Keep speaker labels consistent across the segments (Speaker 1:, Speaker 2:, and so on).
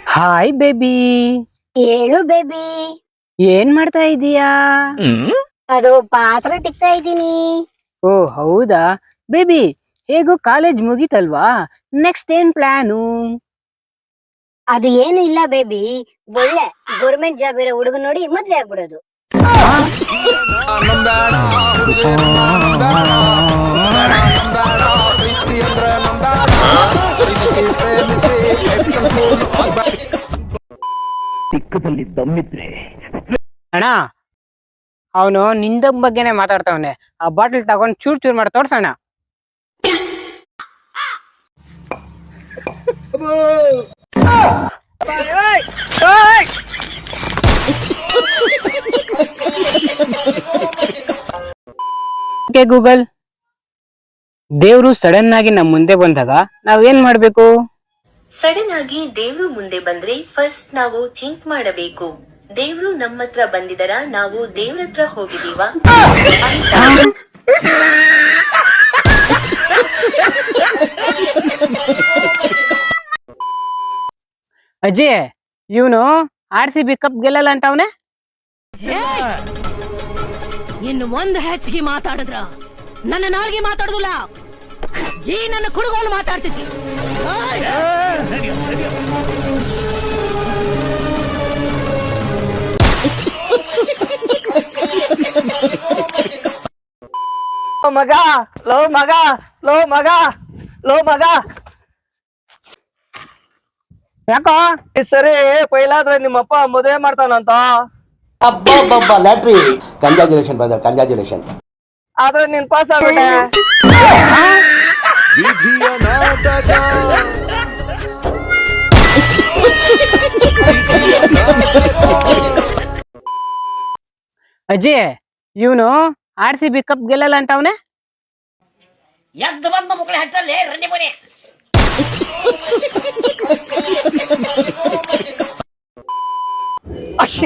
Speaker 1: Hi baby.
Speaker 2: ಹೇಳು baby.
Speaker 1: ಏನ್ ಮಾಡ್ತಾ ಇದೀಯಾ?
Speaker 2: ಅದು ಪಾತ್ರೆ ತಿಕ್ತಾ ಇದ್ದೀನಿ.
Speaker 1: ಓ ಹೌದಾ ಬೇಬಿ, ಹೇಗೂ ಕಾಲೇಜ್ ಮುಗೀತಲ್ವಾ, ನೆಕ್ಸ್ಟ್ ಏನ್ ಪ್ಲಾನು?
Speaker 2: ಅದು ಏನು ಇಲ್ಲ ಬೇಬಿ, ಒಳ್ಳೆ ಗೌರ್ಮೆಂಟ್ ಜಾಬ್ ಇರೋ ಹುಡುಗ ನೋಡಿ ಮದ್ವೆ ಆಗ್ಬಿಡೋದು.
Speaker 1: ಅಣ್ಣ, ಅವನು ನಿಂದ ಬಗ್ಗೆನೆ ಮಾತಾಡ್ತಾವನೆ. ಆ ಬಾಟಲ್ ತಗೊಂಡ್ ಚೂರ್ ಚೂರ್ ಮಾಡಿ ತೋರ್ಸಣ್ಣ. ಗೂಗಲ್, ದೇವ್ರು ಸಡನ್ ಆಗಿ ನಮ್ ಮುಂದೆ ಬಂದಾಗ ನಾವೇನ್ ಮಾಡ್ಬೇಕು?
Speaker 3: ಸಡನ್ ಆಗಿ ದೇವ್ರು ಮುಂದೆ ಬಂದ್ರೆ ಫಸ್ಟ್ ನಾವು ಥಿಂಕ್ ಮಾಡಬೇಕು, ದೇವ್ರು ನಮ್ಮತ್ರ ಬಂದಿದರ ನಾವು ದೇವ್ರತ್ರ ಹೋಗಿದೀವ ಅಂತ.
Speaker 1: ಅಜ್ಜಿ, ಇವನು RCB ಕಪ್ ಗೆಲ್ಲಲ್ಲ ಅಂತ ಅವನೇ.
Speaker 4: ಇನ್ನು ಒಂದು ಹೆಚ್ಚಿಗೆ ಮಾತಾಡಿದ್ರ ನನ್ನ ನಾಲ್ಗೆ ಮಾತಾಡುದಿಲ್ಲ, ಈ ನನ್ನ ಕುಡುಗೋಲು ಮಾತಾಡ್ತಿದ್ವಿ.
Speaker 5: ಮಗ ಲೋ ಮಗ ಲೋ ಮಗ ಲೋ ಮಗ,
Speaker 1: ಯಾಕೋ
Speaker 5: ಈ ಸರಿ ಪೈಲಾದ್ರೆ ನಿಮ್ಮಪ್ಪ ಮದುವೆ ಮಾಡ್ತಾನಂತ.
Speaker 6: ಅಬ್ಬಬ್ಬಬ್ಬ ಲ್ಯಾಟ್ರಿ. Congratulation brother, congratulation.
Speaker 5: ಆದ್ರೆ ನೀನ್ ಪಾಸ್ ಆಗ್ಬಿಟ್ಟೆ.
Speaker 7: ವಿಧಿಯ ನಾಟಕ.
Speaker 1: ಅಜ್ಜಿ, ಇವನು RCB ಕಪ್ ಗೆಲ್ಲಲ್ಲ ಅಂತ ಅವನೇ.
Speaker 4: ಎದ್ದು ಬಂದ ಮಕ್ಕಳ ಹಟ್ಟಲ್ಲಿ ರಂಡಿ ಮನೆ.
Speaker 5: ಅಕ್ಷಿ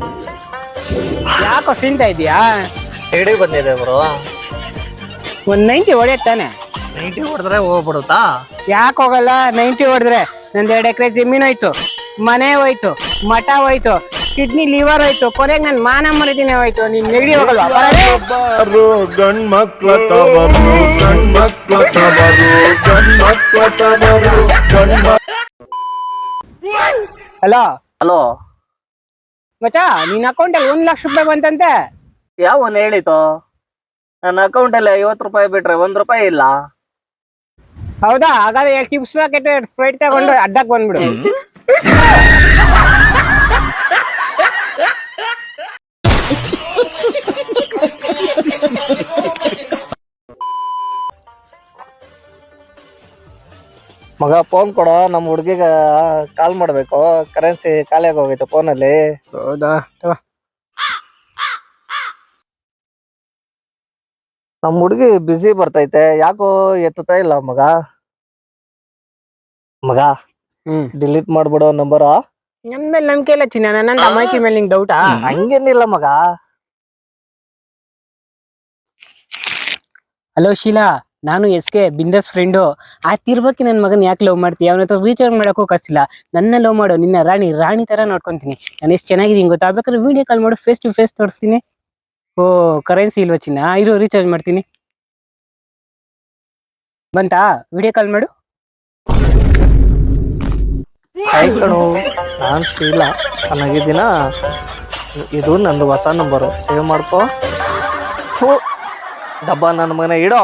Speaker 1: ಯಾಕೋ ಸಿಂತಾ ಇದೀಯಾ?
Speaker 5: ಹೇಳಿ ಬಂದಿದೆ ಬ್ರೋ.
Speaker 1: ಒಂದ್ 90 ಹೊಡೆಯತ್ತಾನೆ.
Speaker 5: 90 ಹೊಡೆದ್ರೆ ಹೋಗ್ಬಿಡುತ್ತಾ?
Speaker 1: ಯಾಕೆ ಹೋಗಲ್ಲ? 90 ಹೊಡೆದ್ರೆ ನಂದ್ 2 ಎಕರೆ ಜಮೀನ್ ಹೋಯ್ತು, ಮನೆ ಹೋಯ್ತು, ಮಠ ಹೋಯ್ತು, ಕಿಡ್ನಿ ಲಿವರ್ ಹೋಯ್ತು, ಕೊನೆಗೆ ನನ್ ಮಾನ ಮರಿದಿನೇ ಹೋಯ್ತು. ನೀನ್ ನೆಗಡಿ ಹೋಗಲ್ವಾ?
Speaker 7: ಬಾರು ಗಂಡ್ ಮಕ್ಳ ತವರು, ಗಂಡ್ ಮಕ್ಳ ತವರು, ಗಂಡ್ ಮಕ್ಳ ತವರು, ಗಂಡ್ ಮಕ್ಳ.
Speaker 1: ಹಲೋ
Speaker 5: ಹಲೋ
Speaker 1: ಮಚ್ಚ, ನಿನ್ ಅಕೌಂಟ್ ಅಲ್ಲಿ 1 ಲಕ್ಷ ರೂಪಾಯಿ ಬಂತಂತೆ.
Speaker 5: ಯಾವನ್ ಹೇಳಿತು? ನನ್ನ ಅಕೌಂಟ್ ಅಲ್ಲಿ 50 ರೂಪಾಯಿ ಬಿಟ್ರೆ 1 ರೂಪಾಯಿ ಇಲ್ಲ.
Speaker 1: ಹೌದಾ? ಹಾಗಾದ್ರೆ ಟಿಪ್ಸ್ ಪ್ಯಾಕೆಟ್ ಸ್ಪ್ರೈಟ್ ತಗೊಂಡು ಅಡ್ಡಕ್ ಬಂದ್ಬಿಡು.
Speaker 5: ಮಗ ಫೋನ್ ಕೊಡೋ, ನಮ್ಮ ಹುಡ್ಗಿಗ ಕಾಲ್ ಮಾಡ್ಬೇಕು. ಕರೆನ್ಸಿ ಖಾಲಿ ಆಗೋಗೈತೆ ಫೋನಲ್ಲಿ.
Speaker 1: ಹೌದಾ?
Speaker 5: ನಮ್ಮ ಹುಡ್ಗಿ ಬಿಸಿ ಬರ್ತೈತೆ, ಯಾಕೋ ಎತ್ತುತ್ತಾ ಇಲ್ಲ ಮಗ. ಮಗ ಡಿಲೀಟ್ ಮಾಡ್ಬಿಡೋ ನಂಬರ್.
Speaker 1: ನನ್ ಮೇಲೆ ನಂಬಿಕೆ ಇಲ್ಲ ಚಿನ್ನ, ನನ್ನ ಅಮಾಯಕಿ ಮೇಲೆ ನಿಂಗೆ ಡೌಟಾ?
Speaker 5: ಹಂಗೇನಿಲ್ಲ ಮಗ.
Speaker 1: ಹಲೋ ಶೀಲಾ, ನಾನು SK ಬಿಂದಸ್ ಫ್ರೆಂಡು. ಆ ತಿರ್ಬಕ್ಕೆ ನನ್ನ ಮಗನ್ ಯಾಕೆ ಲವ್ ಮಾಡ್ತೀಯ? ಅವನ ಹತ್ರ ರೀಚಾರ್ಜ್ ಮಾಡೋಕ್ಕೂ ಕಾಸಿಲ್ಲ. ನನ್ನ ಲವ್ ಮಾಡು, ನಿನ್ನ ರಾಣಿ ತರ ನೋಡ್ಕೊಂತೀನಿ. ನಾನು ಎಷ್ಟು ಚೆನ್ನಾಗಿದ್ದೀನಿ ಗೊತ್ತಾ? ಬೇಕಾದ್ರೆ ವಿಡಿಯೋ ಕಾಲ್ ಮಾಡು, ಫೇಸ್ ಟು ಫೇಸ್ ತೋರಿಸ್ತೀನಿ. ಓ ಕರೆನ್ಸಿ ಇಲ್ವಾ ಚಿನ್ನ? ಇರೋ ರೀಚಾರ್ಜ್ ಮಾಡ್ತೀನಿ. ಬಂತಾ? ವಿಡಿಯೋ ಕಾಲ್ ಮಾಡು.
Speaker 5: ಕಣು, ನಾನ್ ಶೀಲಾ, ಚೆನ್ನಾಗಿದ್ದೀನ. ಇದು ನಂದು ಹೊಸ ನಂಬರು, ಸೇವ್ ಮಾಡ್ಕೋ. ಡಬ್ಬ ನನ್ನ ಮನೆ ಇಡೋ.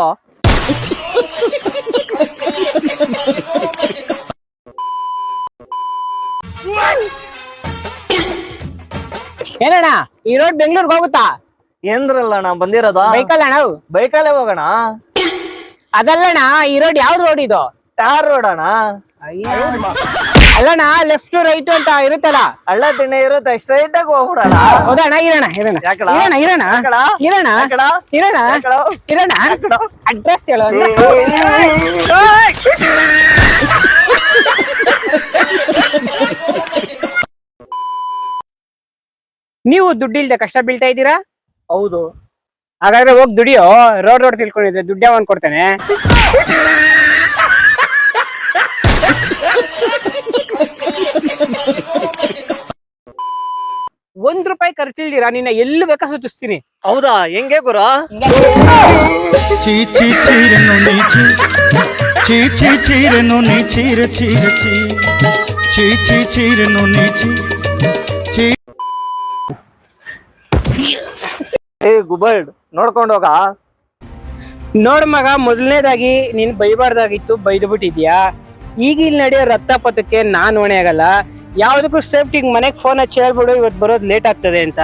Speaker 1: ಏನಣ್ಣ, ಈ ರೋಡ್ ಬೆಂಗಳೂರಿಗೆ ಹೋಗುತ್ತಾ?
Speaker 5: ಏನ್ರಲ್ಲ ನಾ ಬಂದಿರೋದ
Speaker 1: ಬೈಕಲ್ಲ ಅಣ್ಣ?
Speaker 5: ಬೈಕಲ್ಲೇ ಹೋಗೋಣ.
Speaker 1: ಅದಲ್ಲಣ್ಣ, ಈ ರೋಡ್ ಯಾವ್ದು ರೋಡ್ ಇದು?
Speaker 5: ಟಾರ್ ರೋಡ್ ಅಣ್ಣ.
Speaker 1: ಅಲ್ಲಣ್ಣ, ಲೆಫ್ಟ್ ರೈಟ್ ಅಂತ ಇರುತ್ತಲ್ಲ.
Speaker 5: ಹಳ್ಳ ತಿಣ್ಣೆ ಇರುತ್ತೆ, ಸ್ಟ್ರೈಟ್ ಆಗಿ ಹೋಗ್ಬಿಡಣ.
Speaker 1: ಹೌದಣ್ಣ? ಇರೋಣ ಅಡ್ರೆಸ್ ಹೇಳೋ. ನೀವು ದುಡ್ಡಿಲ್ದೆ ಕಷ್ಟ ಬೀಳ್ತಾ ಇದ್ದೀರಾ?
Speaker 5: ಹೌದು.
Speaker 1: ಹಾಗಾದ್ರೆ ಹೋಗಿ ದುಡಿಯೋ. ರೋಡ್ ತಿಳ್ಕೊಂಡಿದ್ರೆ ದುಡ್ಡು ಯಾವನ್ ಕೊಡ್ತಾನೆ? ಕೇಳ್ದಿರಾ ನಿನ್ನ ಎಲ್ಲಿ ಬೇಕಾ ಸುತ್ತಿಸ್ತೀನಿ.
Speaker 5: ಹೌದಾ, ಹೆಂಗೆ ಗುರು?
Speaker 8: చీ చీ చీరెను నీ చీ చీ చీ చీరెను నీ చీర చీర చీ చీ చీ చీరెను నీ చీ చీ.
Speaker 5: ಏ ಗುಬರ್ಡ್, ನೋಡ್ಕೊಂಡು ಹೋಗ.
Speaker 1: ನೋಡ್ ಮಗ, ಮೊದಲನೇದಾಗಿ ನೀನ್ ಬೈಬಾರ್ದಾಗಿತ್ತು, ಬೈದು ಬಿಟ್ಟಿದ್ಯಾ. ಈಗ ಇಲ್ಲಿ ನಡೆಯೋ ರಕ್ತಪಾತಕ್ಕೆ ನಾನ್ ಹೊಣೆ ಆಗಲ್ಲ. ಯಾವ್ದಕ್ಕೂ ಸೇಫ್ಟಿ ಮನೆಗ್ ಫೋನ್ ಹಚ್ಚಿ ಹೇಳ್ಬಿಡು ಇವತ್ತು ಬರೋದು ಲೇಟ್ ಆಗ್ತದೆ ಅಂತ.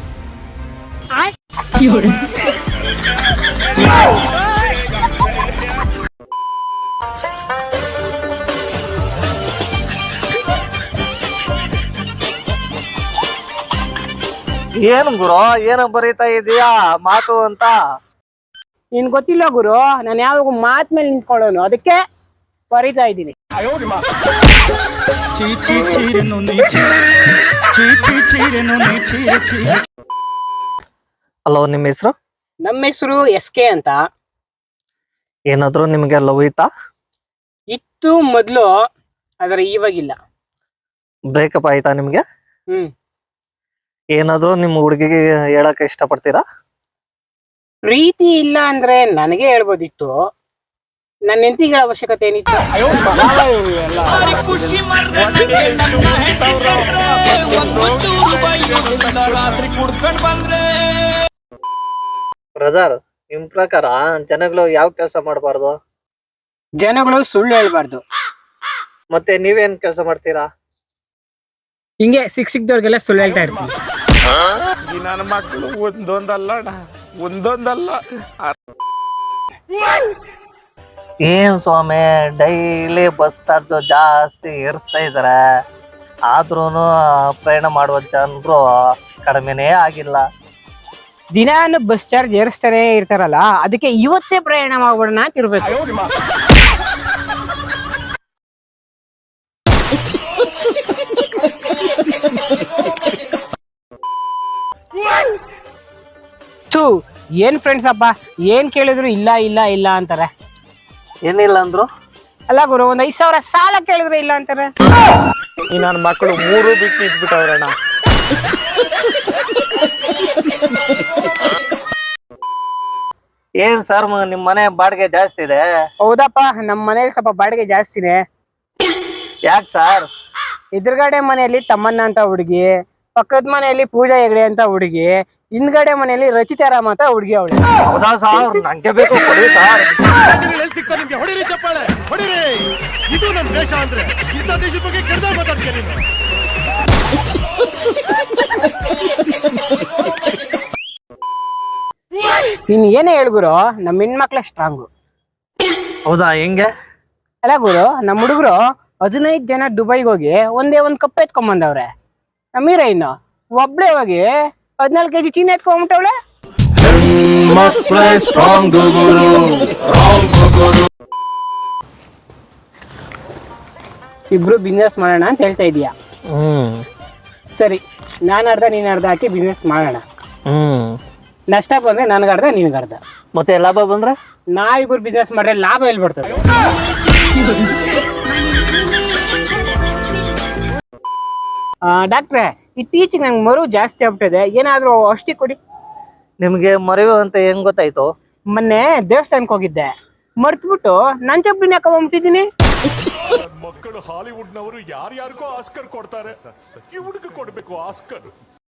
Speaker 5: ಏನ್ ಗುರು, ಏನ ಬರೀತಾ ಇದೀಯಾ ಮಾತು ಅಂತ?
Speaker 1: ನಿನ್ ಗೊತ್ತಿಲ್ಲ ಗುರು, ನಾನು ಯಾವಾಗ ಮಾತ್ ಮೇಲೆ ನಿಂತ್ಕೊಳ್ಳೋನು, ಅದಕ್ಕೆ ಬರೀತಾ ಇದ್ದೀನಿ.
Speaker 8: చీ చీ చీరెను నీ చీ చీ చీ చీరెను నీ చీర చీర.
Speaker 5: ಹಲೋ, ನಿಮ್ಮ ಹೆಸರು?
Speaker 1: ನಮ್ಮ ಹೆಸರು SK ಅಂತ.
Speaker 5: ಏನಾದ್ರು ನಿಮ್ಗೆ ಲವ್ ಐತಾ?
Speaker 1: ಇತ್ತು ಮೊದ್ಲು, ಆದ್ರೆ ಇವಾಗಿಲ್ಲ.
Speaker 5: ಬ್ರೇಕಪ್ ಆಯ್ತಾ ನಿಮ್ಗೆ?
Speaker 1: ಹ್ಮ್.
Speaker 5: ಏನಾದ್ರು ನಿಮ್ಮ ಹುಡುಗಿಗೆ ಹೇಳಕ್ ಇಷ್ಟಪಡ್ತೀರಾ?
Speaker 1: ಪ್ರೀತಿ ಇಲ್ಲ ಅಂದ್ರೆ ನನಗೆ ಹೇಳ್ಬೋದಿತ್ತು, ನನ್ನ ಹೆಂಡತಿಗಳ ಅವಶ್ಯಕತೆ ಏನಿತ್ತು?
Speaker 5: ಬ್ರದರ್, ನಿಮ್ ಪ್ರಕಾರ ಜನಗಳು ಯಾವ ಕೆಲಸ ಮಾಡಬಾರ್ದು?
Speaker 1: ಜನಗಳು ಸುಳ್ಳು ಹೇಳ್ಬಾರ್ದು.
Speaker 5: ಮತ್ತೆ ನೀವೇನ್ ಕೆಲಸ ಮಾಡ್ತೀರಾ?
Speaker 1: ಹಿಂಗೆ ಸಿಕ್ದವ್ರಿಗೆಲ್ಲ ಸುಳ್ಳು ಹೇಳ್ತಾ ಇರ್ತೀನಿ.
Speaker 7: ನನ್ನ ಮಕ್ಕಳು ಒಂದೊಂದಲ್ಲ
Speaker 5: ಏನ್ ಸ್ವಾಮಿ, ಡೈಲಿ ಬಸ್ ಚಾರ್ಜ್ ಜಾಸ್ತಿ ಏರಿಸ್ತಾ ಇದಾರೆ, ಆದ್ರೂನು ಪ್ರಯಾಣ ಮಾಡುವ ಜನರು ಕಡಿಮೆನೇ ಆಗಿಲ್ಲ.
Speaker 1: ದಿನಾನು ಬಸ್ ಚಾರ್ಜ್ ಏರಿಸ್ತಾನೆ ಇರ್ತಾರಲ್ಲ, ಅದಕ್ಕೆ ಇವತ್ತೇ ಪ್ರಯಾಣ ಮಾಡ್ಬಿಡೋಣ ಅಂತ ಇರ್ಬೇಕು. ಥೂ, ಏನ್ ಫ್ರೆಂಡ್ಸ್ ಅಪ್ಪ, ಏನ್ ಕೇಳಿದ್ರು ಇಲ್ಲ ಇಲ್ಲ ಇಲ್ಲ ಅಂತಾರೆ.
Speaker 5: ಏನಿಲ್ಲ ಅಂದ್ರು?
Speaker 1: ಅಲ್ಲ ಗುರು, ಒಂದ್ 5,000 ಸಾಲ ಕೇಳಿದ್ರೆ ಇಲ್ಲ ಅಂತಾರೆ.
Speaker 7: ಈ ನನ್ನ ಮಕ್ಕಳು 3 ಬಿಟ್ಟು ಇಟ್ಬಿಟ್ಟವ್ರಣ್ಣ.
Speaker 5: ಏನ್ ಸರ್, ನಿಮ್ ಮನೆ ಬಾಡಿಗೆ ಜಾಸ್ತಿ ಇದೆ?
Speaker 1: ಹೌದಪ್ಪ, ನಮ್ ಮನೇಲಿ ಸ್ವಲ್ಪ ಬಾಡಿಗೆ ಜಾಸ್ತಿನೇ.
Speaker 5: ಯಾಕೆ ಸರ್?
Speaker 1: ಎದುರುಗಡೆ ಮನೆಯಲ್ಲಿ ತಮ್ಮಣ್ಣ ಅಂತ ಹುಡುಗಿ, ಪಕ್ಕದ ಮನೆಯಲ್ಲಿ ಪೂಜಾ ಹೆಗಡೆ ಅಂತ ಹುಡುಗಿ, ಹಿಂದ್ಗಡೆ ಮನೆಯಲ್ಲಿ ರಚಿತಾ ರಾಮ್ ಅಂತ ಹುಡುಗಿ ಅವಳು.
Speaker 5: ಹೌದಾ ಸರ್? ನಂಗೆ ಬೇಕು, ಕೊಡಿ ಸರ್.
Speaker 8: ನಿಮ್ಗೆ ಹೊಡಿರಿ ಚಪ್ಪಾಳೆ ಹೊಡಿರಿ. ಇದು ನಮ್ ದೇಶ ಅಂದ್ರೆ ಇಂಥ ದೇಶದ ಬಗ್ಗೆ ಕೆಡ್ದಾಗ ಮಾತಾಡ್ತೀಯ ನೀನು.
Speaker 1: ನೀನ್ ಏನೇ ಹೇಳ್ಗುರು, ನಮ್ ಹೆಣ್ಮಕ್ಳ ಸ್ಟ್ರಾಂಗು.
Speaker 5: ಹೌದಾ, ಹೆಂಗೆ?
Speaker 1: ಅಲ್ಲ ಗುರು, ನಮ್ ಹುಡುಗರು 15 ಜನ ದುಬೈಗೆ ಹೋಗಿ ಒಂದೇ ಒಂದ್ ಕಪ್ ಎತ್ಕೊಂಬಂದವ್ರೆ. ನಮ್ಮ ಹೀರೋಯಿನ್ ಒಬ್ಳೆ ಹೋಗಿ 14 kg ಚೀನಿ ಎತ್ಕೊಂಡ್ಬಿಟ್ಟವಳೆ. ಇಬ್ರು ಬಿಸ್ನೆಸ್ ಮಾಡೋಣ ಅಂತ ಹೇಳ್ತಾ ಇದೀಯಾ? ಸರಿ, ನಾನು ಅರ್ಧ ನೀನ್ ಅರ್ಧ ಹಾಕಿ ಬಿಸ್ನೆಸ್ ಮಾಡೋಣ. ನಷ್ಟ ಬಂದ್ರೆ ನನಗರ್ಧ ನಿನಗರ್ಧ.
Speaker 5: ಮತ್ತೆ ಲಾಭ ಬಂದ್ರೆ
Speaker 1: ನಾವಿಬ್ರು ಬಿಸ್ನೆಸ್ ಮಾಡ್ರೆ ಲಾಭ ಎಲ್ಲಿ ಬರ್ತದೆ? ಡಾಕ್ಟ್ರೆ, ಇತ್ತೀಚೆಗೆ ನಂಗೆ ಮರು ಜಾಸ್ತಿ ಆಗ್ಬಿಟ್ಟಿದೆ, ಏನಾದ್ರೂ ಔಷಧಿ ಕೊಡಿ.
Speaker 5: ನಿಮ್ಗೆ ಮರೆವು ಅಂತ ಹೆಂಗ್ ಗೊತ್ತಾಯ್ತು?
Speaker 1: ಮೊನ್ನೆ ದೇವಸ್ಥಾನಕ್ಕೆ ಹೋಗಿದ್ದೆ, ಮರ್ತ್ಬಿಟ್ಟು ನನ್ ಚಪ್ಪಲಿನ ಹಾಕೊಂಡ್ಬಿಟ್ಟಿದ್ದೀನಿ.
Speaker 7: ಮಕ್ಕಳು ಹಾಲಿವುಡ್ ನವರು ಯಾರ್ಯಾರಿಗೋ ಆಸ್ಕರ್ ಕೊಡ್ತಾರೆ, ಇವ್ರಿಗೆ ಕೊಡ್ಬೇಕು ಆಸ್ಕರ್.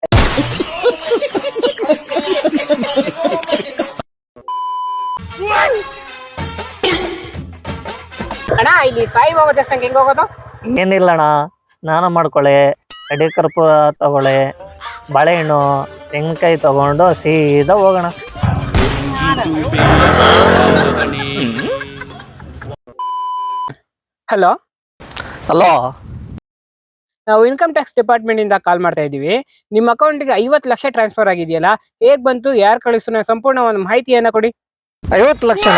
Speaker 1: ಅಣ್ಣ, ಇಲ್ಲಿ ಸಾಯಿಬಾಬಾ ದೇವಸ್ಥಾನಕ್ಕೆ ಹೆಂಗ್ ಹೋಗೋದು?
Speaker 5: ಏನಿಲ್ಲ ಅಣ್ಣ, ಸ್ನಾನ ಮಾಡ್ಕೊಳ್ಳಿ, ಅಡಿ ಕರ್ಪೂರ ತಗೊಳ್ಳಿ, ಬಾಳೆಹಣ್ಣು, ತೆಂಗಿನಕಾಯಿ ತಗೊಂಡು ಸೀದಾ ಹೋಗೋಣ.
Speaker 1: ಹಲೋ
Speaker 5: ಹಲೋ,
Speaker 1: ನಾವು ಇನ್ಕಮ್ ಟ್ಯಾಕ್ಸ್ ಡಿಪಾರ್ಟ್ಮೆಂಟ್ ಇಂದ ಕಾಲ್ ಮಾಡ್ತಾ ಇದೀವಿ. ನಿಮ್ಮ ಅಕೌಂಟ್ಗೆ 50 ಲಕ್ಷ ಟ್ರಾನ್ಸ್ಫರ್ ಆಗಿದೆಯಲ್ಲ, ಹೇಗ್ ಬಂತು, ಯಾರು ಕಳಿಸು, ಸಂಪೂರ್ಣ ಒಂದು ಮಾಹಿತಿಯನ್ನ ಕೊಡಿ.
Speaker 5: 50 ಲಕ್ಷ?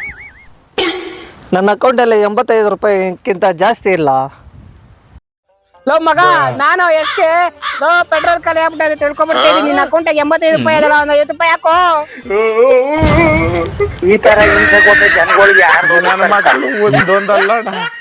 Speaker 5: ನನ್ನ ಅಕೌಂಟಲ್ಲಿ 85 ರೂಪಾಯಿಗಿಂತ ಜಾಸ್ತಿ ಇಲ್ಲ.
Speaker 1: ಲೋ ಮಗ, ನಾನು SK ಪೆಟ್ರೋಲ್ ಖಾಲಿ ಆಗ್ಬಿಟ್ಟೆ ತಿಳ್ಕೊಂಡ್ಬಿಡ್ತೀನಿ. ನಿನ್ನ ಅಕೌಂಟಿಗೆ 85 ರೂಪಾಯಿ ಅದಲ್ಲ, ಒಂದು 50 ರೂಪಾಯಿ ಹಾಕೋ.
Speaker 5: ಈ ತರ ಹಿಂಸೆ ಕೊಟ್ಟು ಜನಗಳಿಗೆ ಯಾರು
Speaker 7: ನನ್ನ ಮಕ್ಕಳು ಒಂದೊಂದಲ್ಲ